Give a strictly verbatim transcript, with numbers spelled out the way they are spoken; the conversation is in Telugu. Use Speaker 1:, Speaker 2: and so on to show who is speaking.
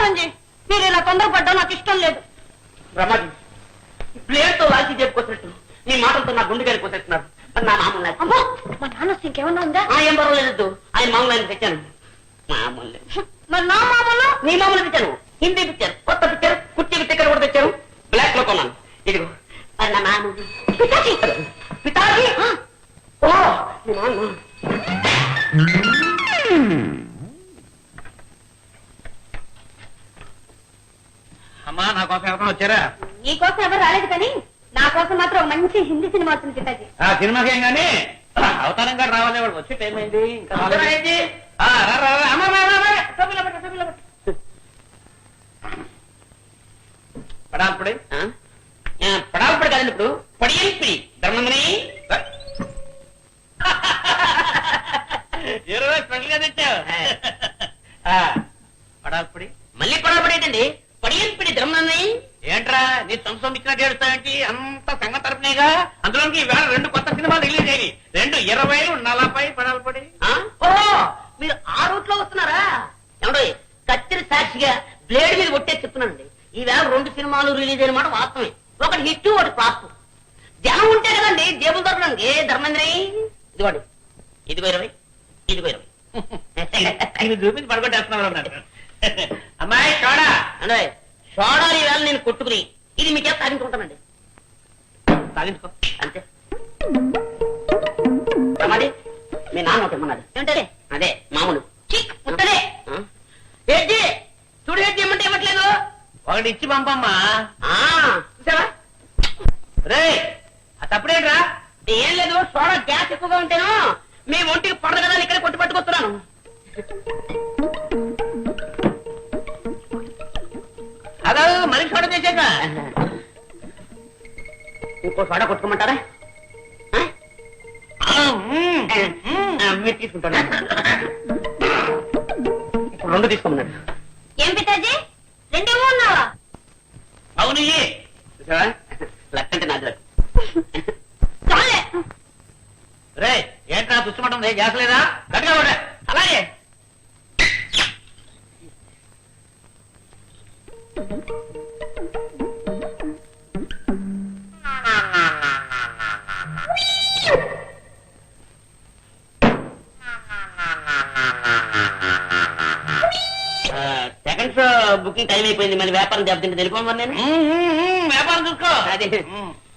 Speaker 1: నమస్కారం. మీరు ఇలా తొందరపడ్డా నాకు ఇష్టం లేదు.
Speaker 2: బ్రహ్మాజీ ప్లేట్ తో లాల్చి చెప్పుకొచ్చినట్టు నీ మాటలతో నా గుండె గారికి వచ్చేస్తున్నారు. నా మామూలు
Speaker 1: అమ్మో మా నాన్న ఇంకేమన్నా ఉందా?
Speaker 2: ఏం పర్వాలేదు, ఆయన మామూలు ఆయన తెచ్చాను. మామూలు
Speaker 1: మరి నా మామూలు
Speaker 2: నీ మామూలు తెచ్చాను. హిందీ పిక్చర్, కొత్త పిక్చర్, కుర్చీకి టికెట్ కూడా తెచ్చాను. బ్లాక్ లో కొన్నాను. ఇదిగో నా మామూలు పితాజీ. పితాజీ ఓ మీ నాన్న.
Speaker 3: అమ్మా నా కోసం ఎవరైనా వచ్చారా?
Speaker 1: నీ కోసం ఎవరు రాలేదు కానీ నా కోసం మాత్రం ఒక మంచి హిందీ సినిమా వస్తుంది పితాజీ.
Speaker 3: ఆ సినిమాకి ఏం గానీ అవతారం గారు రావాలి. వాడు వచ్చి టైం అయింది. ఇంకా రాలేదు. ఆ, రా, రా, రా. అమ్మా, రా, రా, రా. సభ్యులు పెట్టు, సభ్యులు పెట్టు. పడాల్పడి
Speaker 2: పడాల్పడి కాదండి, ఇప్పుడు పడియల్పిడి ధర్మందని
Speaker 3: ఇరవై స్పెషల్గా తెచ్చావు. పడాల్పడి
Speaker 2: మళ్ళీ పడాల్పడి ఏంటండి? పడియల్పిడి ధర్మందని
Speaker 3: ఏంట్రా నీ సంవత్సరం ఇచ్చినట్టు ఏడుస్తావేంటి? అంత సంఘ తరపునేగా. అందులోకి ఈవేళ రెండు కొత్త సినిమాలు రిలీజ్ అయ్యి రెండు ఇరవైలు నలభై పడాల్పడి.
Speaker 2: ఓహో మీరు ఆ రూట్ లో వస్తున్నారా? ఏమండో కత్తిరి సాక్షిగా బ్లేడ్ మీద కొట్టే చెప్తున్నానండి. ఈవేళ రెండు సినిమాలు రిలీజ్ అయిన మాట వాస్తవమే. ఒకటి హిట్, ఒకటి ఫ్లాప్. జనం ఉంటే కదండి జేబులు దొరకడానికి. ధర్మేంద్ర ఇదిగోండి, ఇదిగో ఇరవై, ఇదిగో ఇరవై.
Speaker 3: ఇది చూపించి పడగొట్టేస్తున్నారు అన్నాడు. అమ్మాయి కాడా
Speaker 2: అంటే సోడాలు ఈవేళ నేను కొట్టుకుని ఇది మీకే సాధించుకుంటానండి.
Speaker 3: సాధించుకో
Speaker 2: అంతే. రమాది మీ నాన్న ఒకటి ఇమ్మన్నాడు. ఏమంటే అదే మామూలు ముట్టలే ఏంటి చూడు, ఏంటి ఇమ్మంటే ఇవ్వట్లేదు.
Speaker 3: ఒకటి ఇచ్చి పంపమ్మా.
Speaker 2: చూసావా?
Speaker 3: రే ఆ తప్పుడేంట్రా?
Speaker 2: ఏం లేదు, సోడా గ్యాస్ ఎక్కువగా ఉంటేను మీ ఒంటికి పడదు కదా ఇక్కడ కొట్టి పట్టుకొస్తున్నాను.
Speaker 3: అదో మనిషి సోడా చేశాక
Speaker 2: ఇంకో సోడా కొట్టుకోమంటారా? మీరు తీసుకుంటాను. ఇప్పుడు రెండు తీసుకోమన్నాడు.
Speaker 1: ఏం పితాజీ రెండేమో ఉన్నావా?
Speaker 3: అవును.
Speaker 2: చూసావా లక్కంటే నాది లక్.
Speaker 1: చాలే.
Speaker 3: రే ఏంట్రా తుచ్చమంటుంది? గ్యాస్ లేదా? గట్టిగా కూడా అలాగే.
Speaker 2: సెకండ్ షో బుకింగ్ టైం అయిపోయింది. మళ్ళీ వ్యాపారం దెబ్బతింటే తెలిపోమని నేను
Speaker 3: వ్యాపారం చూసుకో.
Speaker 2: అదే